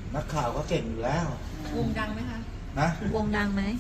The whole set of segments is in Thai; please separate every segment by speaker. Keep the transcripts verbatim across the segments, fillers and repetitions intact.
Speaker 1: นักข่าวก็เก่งอยู่แล้ว
Speaker 2: วงดังไหมคะ
Speaker 1: นะ
Speaker 3: วงดังไหม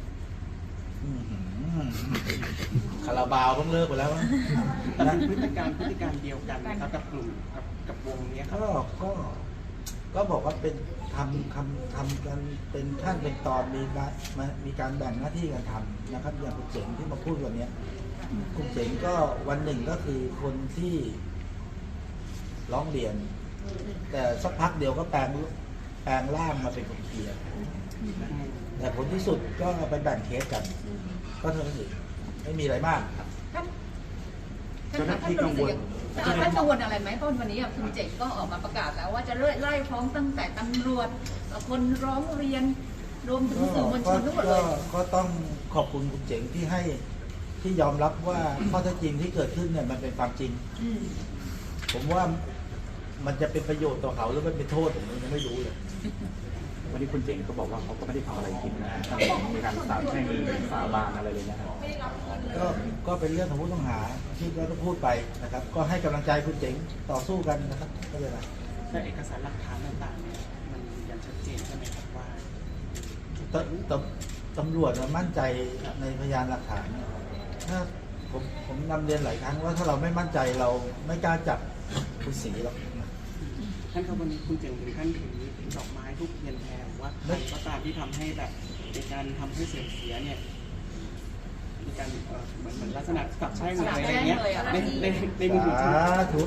Speaker 1: คาราบาวต้องเลิกไปแล้ว
Speaker 4: นะพฤติการพฤติการเดียวกันนะครับกับกลุ่มกับกับวงนี้ครับ
Speaker 1: ก็ก็ก็บอกว่าเป็นทำทำทำกันเป็นขั้นเป็นตอนมีมามีการแบ่งหน้าที่กันทำนะครับอย่างคุณเจ๋งที่มาพูดวันนี้คุณเจ๋งก็วันหนึ่งก็คือคนที่ร้องเรียนแต่สักพักเดียวก็แปลงแปลงร่างมาเป็นคนเคลียร์แต่ผลที่สุดก็ไปแบ่งเคสกันก็เท่านั้นเองไม่มีอะไรมาก
Speaker 2: ท่านท่านท่านกังวลท่านกังวลอะไรไหมเพราะวันนี้คุณเจ๋งก็ออกมาประกาศแล้วว่าจะไล่ฟ้องตั้งแต่ตำรวจคนร้องเรียนรวมถึงสื่อมวลชนทั้งหมดเลย
Speaker 1: ก็ต้องขอบคุณคุณเจ๋งที่ให้ที่ยอมรับว่าข้อเท็จจริงที่เกิดขึ้นเนี่ยมันเป็นความจริงผมว่ามันจะเป็นประโยชน์ต่อเขาหรือมันเป็นโทษผมยังไม่รู้เลย
Speaker 5: วันนี้คุณเจ๋งก็บอกว่าเขาก็ไม่ได้ทำอะไรผิดนะมีการสาบแช่งสาบานอะไรเลยนะครับ
Speaker 1: ก็ก็เป็นเรื่องของผู้ต้องหาที่เราต้องพูดไปนะครับ ก็ให้กำลังใจคุณเจ๋งต่อสู้กันนะครับก็เลยนะ
Speaker 4: แต่เอกสารหลักฐานต่างๆเนี่ยมันยังชัดเจนใช่ไหมครับว่า
Speaker 1: ตตตำรวจมั่นใจในพยานหลักฐานถ้าผมผมนำเรียนหลายครั้งว่าถ้าเราไม่มั่นใจเราไม่กล้าจับคุณศรีหรอก
Speaker 4: ท่านครับวันนี้คุณเจ๋งถึงท่านถือดอกไม้ทุกเทียนแพรว่าใครก็ตามที่ทำให้แบบในการทำให้เสื่อมเสียเนี่ยมีการเหมือนเหมือนลักษณะกับใช่หรืออะไรเงี้ยในในในมือถือ
Speaker 1: ถูก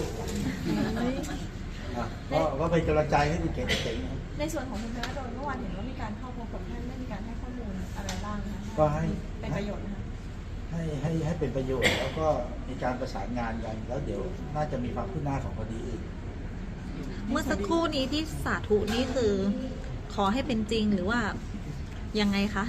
Speaker 1: ก็ก็เป็นกำลังใจให้คุณเจ๋ง
Speaker 3: ในส่วนของคุณธนดลเมื่อวานเห็นว่ามีการเข้าพบกับท่านได้มีการให้ข้อมูลอะไรบ้างคะ
Speaker 1: ก็ให้
Speaker 3: เป็นประโยชน์นะคะ
Speaker 1: ให้ให้ให้เป็นประโยชน์แล้วก็มีการประสานงานกันแล้วเดี๋ยวน่าจะมีความคืบหน้าของคดีอื่น
Speaker 3: เมื่อสักครู่นี้ที่สาธุนี่คือขอให้เป็นจริงหรือว่ายังไงคะ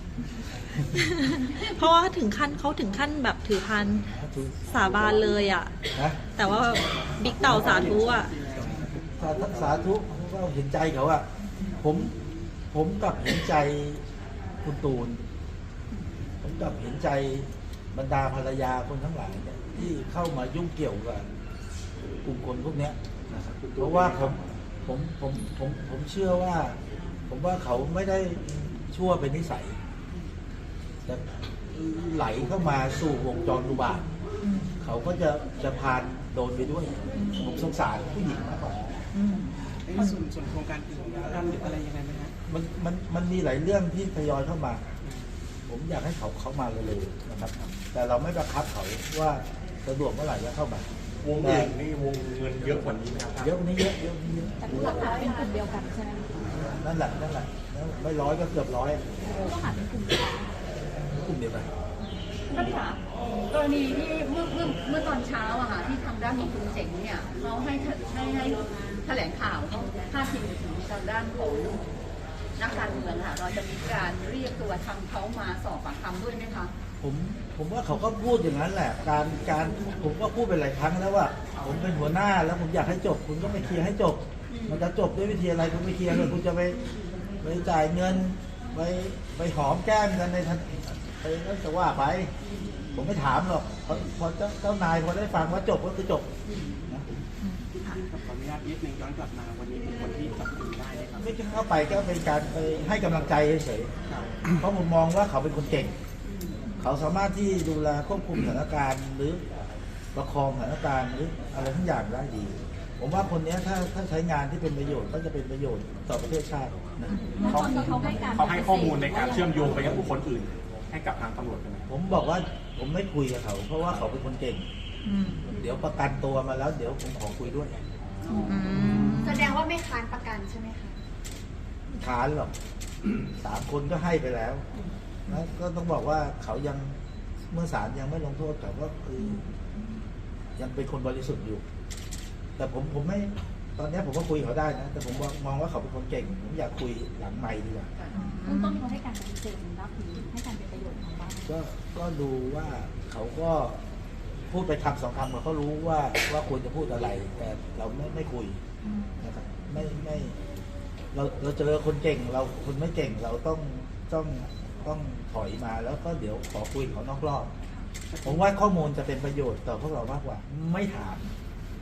Speaker 3: เพราะว่าถึงขั้นเขาถึงขั้นแบบถือพันสาบานเลยอ่ะแต่ว่าบิ๊กเต่าสาธุอ่ะ
Speaker 1: สาธุก็เห็นใจเขาอ่ะผมผมกับเห็นใจคุณตูนผมกับเห็นใจบรรดาภรรยาคนทั้งหลายเนี่ยที่เข้ามายุ่งเกี่ยวกับกลุ่มคนพวกนี้เพราะว่าผมผมผมผมผมเชื่อว่าผมว่าเขาไม่ได้ชั่วเป็นนิสัยจะไหลเข้ามาสู่วงจรอุบาทเขาก็จะจะพานโดนไปด้วยผมสงสารผู้หญิงมากกว่า
Speaker 4: ส่วนส่วนโครงการอื่นทำหรืออะไรยังไงไหมฮะ
Speaker 1: มันมันมันมีหลายเรื่องที่ทยอยเข้ามาผมอยากให้เขาเข้ามาเลยนะครับแต่เราไม่บังคับเขาว่าสะดวกเมื่อไหร่จะเข้ามาว
Speaker 5: งเงินนี่วงเงินเยอะกว่านี้นะครับ
Speaker 1: เยอะกว่านี้เยอะเยอะกว่านี้เยอะ
Speaker 3: แต่ผู้ต้องหาเป็นกลุ่มเดียวกันใช่ไหม
Speaker 1: นั่นแหละนั่นแหละไม่ร้อยก็เกือบร้อย
Speaker 3: ผู้ต้องหาเป็นกลุ่มเดียวกัน
Speaker 1: กลุ่มเดียวกัน
Speaker 2: ท่านคะกรณีที่เมื่อเมื่อเมื่อตอนเช้าอะค่ะที่ทางด้านของคุณเจ๋งเนี่ยเขาให้ให้ให้แถลงข่าวเขาพาดพิงถึงทางด้านของนักการเมืองค่ะเราจะมีการเรียกตัวทางเขามาสอบปากคำด้วยไหมคะ
Speaker 1: ผมผมว่าเขาก็พูดอย่างนั้นแหละการการผมก็พูดเป็นหลายครั้งแล้วว่าผมเป็นหัวหน้าแล้วผมอยากให้จบคุณก็ไปเคลียร์ให้จบมันจะจบด้วยวิธีอะไรคุณไม่เคลียร์เลยคุณจะไปไปจ่ายเงินไปไปหอมแก้มกันในทันไปนั่นจะว่าไปผมไม่ถามหรอกพอพอเจ้าเจ้านายพอได้ฟังว่าจบก็คือจบ
Speaker 4: นะขออนุญาตนิดนึงย้อนกลับมาวันนี้เป็นคนที่จับกุมได้ไหมครับ
Speaker 1: ไม่เข้าไปก็เป็นการไปให้กำลังใจเฉยๆเพราะผมมองว่าเขาเป็นคนเก่งเขาสามารถที่ดูแลควบคุมสถานการณ์หรือประคองสถานการณ์หรืออะไรทั้งอย่างได้ดีผมว่าคนนี้ถ้าถ้าใช้งานที่เป็นประโยชน์ก็จะเป็นประโยชน์ต่อประเทศชาตินะ
Speaker 5: เขาเขาให้ข้อมูลในการเชื่อมโยงไปยังบุคคลอื่นให้กับทางตำรวจไหม
Speaker 1: ผมบอกว่าผมไม่คุยกับเขาเพราะว่าเขาเป็นคนเก่งเดี๋ยวประกันตัวมาแล้วเดี๋ยวผมขอคุยด้วย
Speaker 3: แสดงว่าไม่ค้านประกันใช่ไหมคะ
Speaker 1: ค้านหรอกสามคนก็ให้ไปแล้วแล้วก็ต้องบอกว่าเขายังเมื่อศาลยังไม่ลงโทษเขาก็คือยังเป็นคนบริสุทธิ์อยู่แต่ผมผมไม่ตอนนี้ผมก็คุยเขาได้นะแต่ผมมองว่าเขาเป็นคนเก่งผมอยากคุยหลังไมค์ดีกว่า
Speaker 3: เบื้องต้นเขาให้การปฏิเสธรับหรือให้การเป็นประโยชน์ของบ้าน
Speaker 1: ก็ก็ดูว่าเขาก็พูดไปคำสองคำเขารู้ว่าว่าควรจะพูดอะไรแต่เราไม่ไม่คุยนะครับไม่ไม่เราเราเจอคนเก่งเราคนไม่เก่งเราต้องต้องต้องถอยมาแล้วก็เดี๋ยวขอคุยเขานอกรอบผมว่าข้อมูลจะเป็นประโยชน์ต่อพวกเรามากกว่าไม่ถาม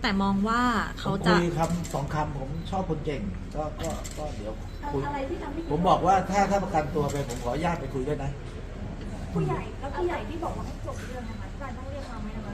Speaker 3: แต่มองว่า
Speaker 1: ผ
Speaker 3: เขา
Speaker 1: ม
Speaker 3: จะ
Speaker 1: คุยคำสองคำผมชอบคนเก่ง ก็ก็ก็เดี๋ยวคุย
Speaker 6: อะไรที่ทำให้
Speaker 1: ผมบอกว่าถ้าถ้าประกันตัวไปผมขออนุญาตไปคุยด้วยนะ
Speaker 6: ผู้ใหญ่แล้วผู้ใหญ่ที่บอกว่าให้จบเรื่องนะคะที่การต้องเรียกมาไหมนะคะ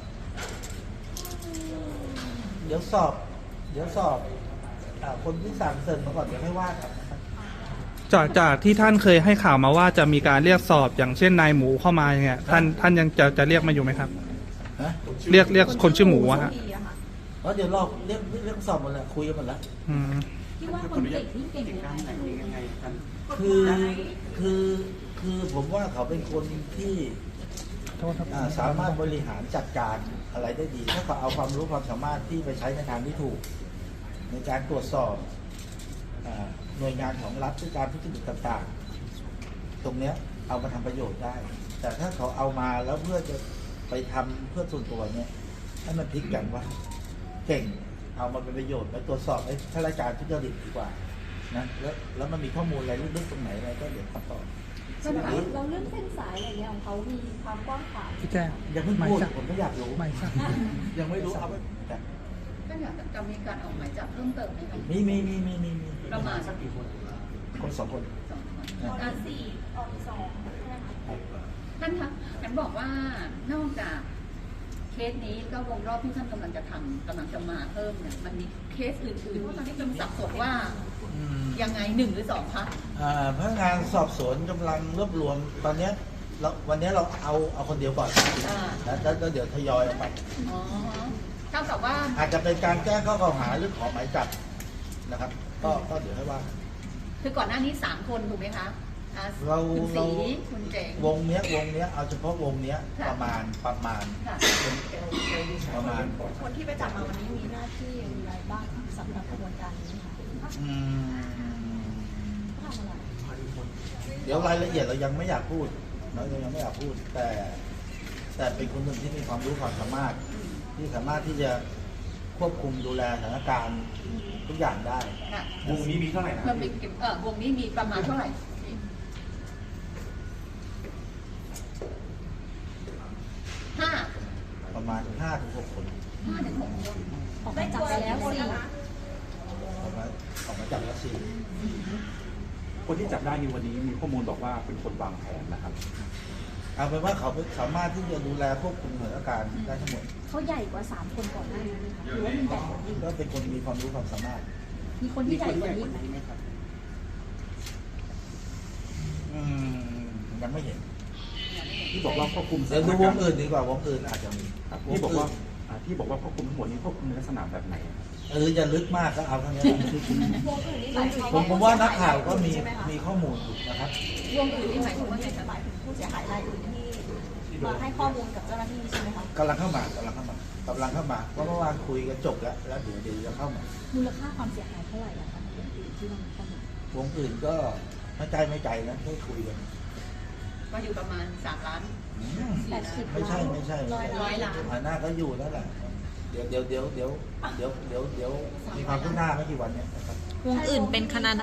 Speaker 1: เดี๋ยวสอบ เดี๋ยวสอบอ่าคนที่สั่งเสริมมาก่อนเดี๋ยวให้ว่ากันนะครับ
Speaker 7: จากจากที่ท่านเคยให้ข่าวมาว่าจะมีการเรียกสอบอย่างเช่นนายหมูเข้ามาอย่างเงี้ยท่านท่านยังจะจะเรียกมาอยู่ไหมครับ
Speaker 1: ฮะ
Speaker 7: เรียกเรียกคนชื่อหมูอะฮะ
Speaker 1: เพราะเดี๋ยวรอบเรื่องเรื่องสอบหมดแล้วคุยกันหมดแล้ว
Speaker 7: อืม
Speaker 6: คิดว่า
Speaker 4: ข
Speaker 6: ค
Speaker 4: ออน นุญา
Speaker 6: เก่
Speaker 4: ต
Speaker 6: งที่เก่ง
Speaker 4: เก่งด้านไหนยังไงท่าน
Speaker 1: คือคือคือผมว่าเขาเป็นคนที่อ่าสามารถบริหารจัดการอะไรได้ดี ถ้าเขาเอาความรู้ความสามารถที่ไปใช้ในทางที่ถูก ในการตรวจสอบอ่าหน่วยงานของรัฐด้วยการทุจริตต่างๆ ตรงเนี้ยเอามาทำประโยชน์ได้ แต่ถ้าเขาเอามาแล้วเพื่อจะไปทำเพื่อส่วนตัวเนี่ยให้มันพลิกกันว่าเก่งเอามาเป็นประโยชน์ไปตรวจสอบไอ้ข้าราชการทุจริตดีกว่านะแล้วแล้วมันมีข้อมูลอะไรลึกๆตรงไหนอะไรก็เดี๋ยวทำต่อ
Speaker 6: เราเรื่องเส้นสายอะไรเงี้ยของเขามีความกว้างขวาง
Speaker 7: พี่แจ้ง
Speaker 1: อย่าเพิ่งพูดผมไม่อยากรู้
Speaker 7: ไม่ทราบ
Speaker 1: ยังไม่รู้เอาไปแต่
Speaker 2: ท่านอยากจะมีการออกหมายจับเพิ่มเติมไหมคะ
Speaker 1: มีมีมีมีมีมี
Speaker 2: ประมาณสักกี่คน
Speaker 1: คนสองคน
Speaker 2: สองคน
Speaker 1: นะ
Speaker 2: อ่ะ
Speaker 6: สี่ออกสองใช่ไหมคะ
Speaker 2: ท่านคะฉันบอกว่านอกจากเคสนี้ก็วงรอบที่ท่านกำลังจะทำกำลังจะมาเพิ่มเนี่ยมันมีเคสอื่นๆที่กำลังสับสนว่า
Speaker 1: อืม
Speaker 2: ยังไงหนึ่งหรือสองคะ
Speaker 1: อ่าพนักงานสอบสวนกำลังรวบรวมตอนเนี้ยเราวันนี้เราเอาเอาคนเดียวก่อน
Speaker 2: อ่า
Speaker 1: แล้วแล้วแล้วเดี๋ยวทยอยออกไป
Speaker 2: อ๋อเท่ากับว่า
Speaker 1: อาจจะเป็นการแจ้งข้อกล่าวหาหรือขอหมายจับนะครับ ก็ก็เดี๋ยวให้ว่า
Speaker 2: คือก่อนหน้านี้สามคนถูกไหมคะอ่ะ
Speaker 1: เรา
Speaker 2: คุณ
Speaker 1: เรา
Speaker 2: สีคุณเจ๋ง
Speaker 1: วงเนี้ยวงเนี้ยเอาเฉพาะวงเนี้ย
Speaker 2: ค่ะ
Speaker 1: ประมาณประมาณ
Speaker 2: ค่ะ
Speaker 1: ประมาณ
Speaker 6: คนที่ไปจับมาวันนี้มีหน้าที่อย่างไรบ้างสำหรับกระบวนการนี้ค่ะ
Speaker 1: อืม
Speaker 6: ทำอะไร
Speaker 1: เดี๋ยวรายละเอียดเรายังไม่อยากพูดเรายังไม่อยากพูด แต่แต่เป็นคนหนึ่งที่มีความรู้ความสามารถ ที่สามารถที่จะควบคุมดูแลสถานการณ์ทุกอย่างได้
Speaker 2: ค่ะ
Speaker 5: วงนี้มีเท่าไหร่นะ
Speaker 2: มันมีเออวงนี้มีประมาณเท่าไหร่ ห้า
Speaker 1: ประมาณห้าถึงหกคน
Speaker 2: ห้าถึงหกคน
Speaker 6: ออกไปจับไปแล้วสี่
Speaker 1: ออกมาออกมาจากรัสเซีย
Speaker 5: คนที่จับได้ในวันนี้มีข้อมูลบอกว่าเป็นคนวางแผนนะครับ
Speaker 1: เอาเป็นว่าเขาสามารถที่จะดูแลควบคุมสถานการณ์ได้ทั้งหมด
Speaker 6: เขาใหญ่กว่าสามคนก่อนหน้านี้ไหมคะหรือว่ามีใหญ่กว่านี้
Speaker 1: ก็เป็นคนมีความรู้ความสามารถ
Speaker 6: มีคน
Speaker 4: มี
Speaker 6: ที่ให
Speaker 4: ค
Speaker 6: ญ่
Speaker 4: น
Speaker 6: ก
Speaker 4: ให
Speaker 6: ว่า
Speaker 4: ญ่ก
Speaker 6: นี้
Speaker 4: ว่า
Speaker 6: ไหม
Speaker 4: นี้ไหมครับ
Speaker 1: อืมยังไม่เห็น
Speaker 5: ที่บอกว่าควบคุมส
Speaker 1: เดี๋ยว
Speaker 5: ถาน
Speaker 1: ดูว
Speaker 5: กาง รณ์
Speaker 1: อื่นดีกว่าวงอื่นอาจจะมี
Speaker 5: ครับที่บอกว่าอ่าที่บอกว่าควบคุมทั้งหมดนี้ควบคุมในลักษณะแบบไหนครับ
Speaker 1: เอออย่าลึกมากก็เอาเท่านี้
Speaker 6: วงอื่นนี่หมายถึง
Speaker 1: ผมผมว่านักข่าวก็มีมีข้อมูลอยู่นะครับ
Speaker 2: วงอื่นนี่หมายถึงว่าไงคะ
Speaker 6: หมายถึงผู้เสียหายรายอื่นที่มาให้ข้อมูลกับเจ้าหน้าที่ใช่ไหมคะ
Speaker 1: กำลังเข้ามากำลังเข้ามากำลังเข้ามาเพราะเมื่อวานคุยกันจบแล้วแล้วเดี๋ยวเดี๋ยวจะเข้ามา
Speaker 6: มูลค่าความเสียหายเท่าไหร่อะคะที่เรามีข้อมูล
Speaker 1: วงอื่นก็ไม่ใจไม่ใจนะได้คุยกัน
Speaker 2: ก็อยู่ประมาณสามล้าน
Speaker 1: อืม
Speaker 6: แปดสิบ
Speaker 1: ไม่ใช่ไม่ใช่
Speaker 6: ร้อย
Speaker 2: ร้อยล้าน
Speaker 1: ฐานะก็อยู่นั่นแหละเดี๋ยวเดี๋ยวเดี๋ยวเดี๋ยวเดี๋ยวเดี๋ยวเดี๋ยวมีความคืบหน้าไม่กี่วันเนี้ยนะครับ
Speaker 3: วงอื่นเป็นคณะ